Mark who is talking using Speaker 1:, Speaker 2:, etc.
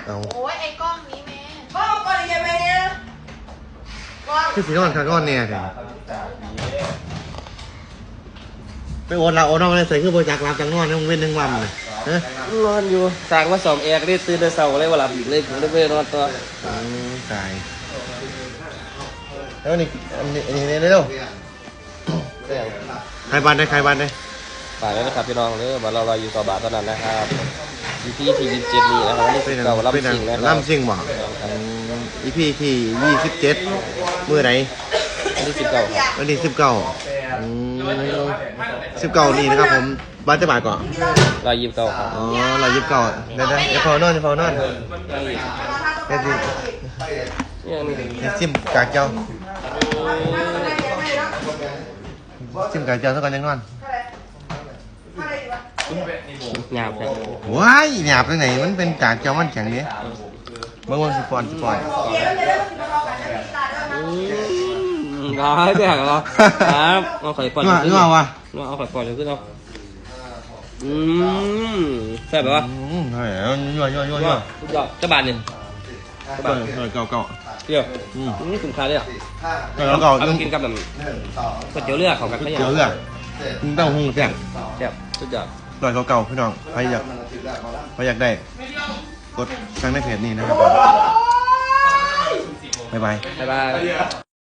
Speaker 1: โอ้ยไอ้กล้องนี้แม่
Speaker 2: ก็ก่อนยังไงเนี่ยก่อน
Speaker 3: คือสีนอนขาก้อนเนี่ยเถอะไปโอนเราโอนนอกเลยใส่คือโปรจักรับจังนอนให้มึงเว้นหนึ่งวันเลยเฮ้ย
Speaker 4: นอนอยู่สั่งมา2แอร์ก็ได้ตื่นแต่เช้าเลยว่าหลับอีกเลยผมได้ไปนอนต่อ
Speaker 3: ตายแล้วนี่อันนี้เร็วใครบ้านได้ใครบ้านได้
Speaker 4: ฝากด้วยนะครับพี่น้องเลยมารออยู่ต่อบาทตอนนั้นนะครับที่27นี่นะครับนี่คือเก่า
Speaker 3: เป็น
Speaker 4: ลำซิงนะครับ
Speaker 3: ล่ำซิงบ่อีพีที่27มื้อไหน
Speaker 4: วันที่19ครับ
Speaker 3: วันที่19นี่นะครับผมบ้านจะบ่ายก่อน
Speaker 4: 129ครับ
Speaker 3: อ๋อ129เดี๋ยวเดี๋ยวเฝ้านอนเดี๋ยวสิ
Speaker 4: เนี่ยนี่
Speaker 3: เดี๋ยวซิมกากเจ้าซิมกากเจ้าเท่ากันยังนอน
Speaker 4: หยาบครับ
Speaker 3: ว้ายหยาบตรงไหนมันเป็นกากเจ้ามันแข็งนี้เมื่อวันสปอน
Speaker 4: ร้ายไปหักเหรอครับเอาไข่ปอน
Speaker 3: นี่ว่าวะ
Speaker 4: เอาไข่ปอนขึ้นเอาแซ่บไหมวะ
Speaker 3: ใช่ยั่ว
Speaker 4: สุดยอดจะบาทหนึ่ง
Speaker 3: เก่า
Speaker 4: เดี๋ยวคุ้มค่าเลยอ่ะ
Speaker 3: แล้วก็
Speaker 4: เอาไปกินกับแบบก๋วยเตี๋ยวเรือของกันไม่
Speaker 3: เดี๋ยวเรื่องเต้าหู้แซ่บ
Speaker 4: แซ่บสุดยอด
Speaker 3: ลอยเก่าพี่น้องใครอยากได้กดสั่งในเพจนี้นะครับบ๊ายบาย
Speaker 4: บ๊ายบาย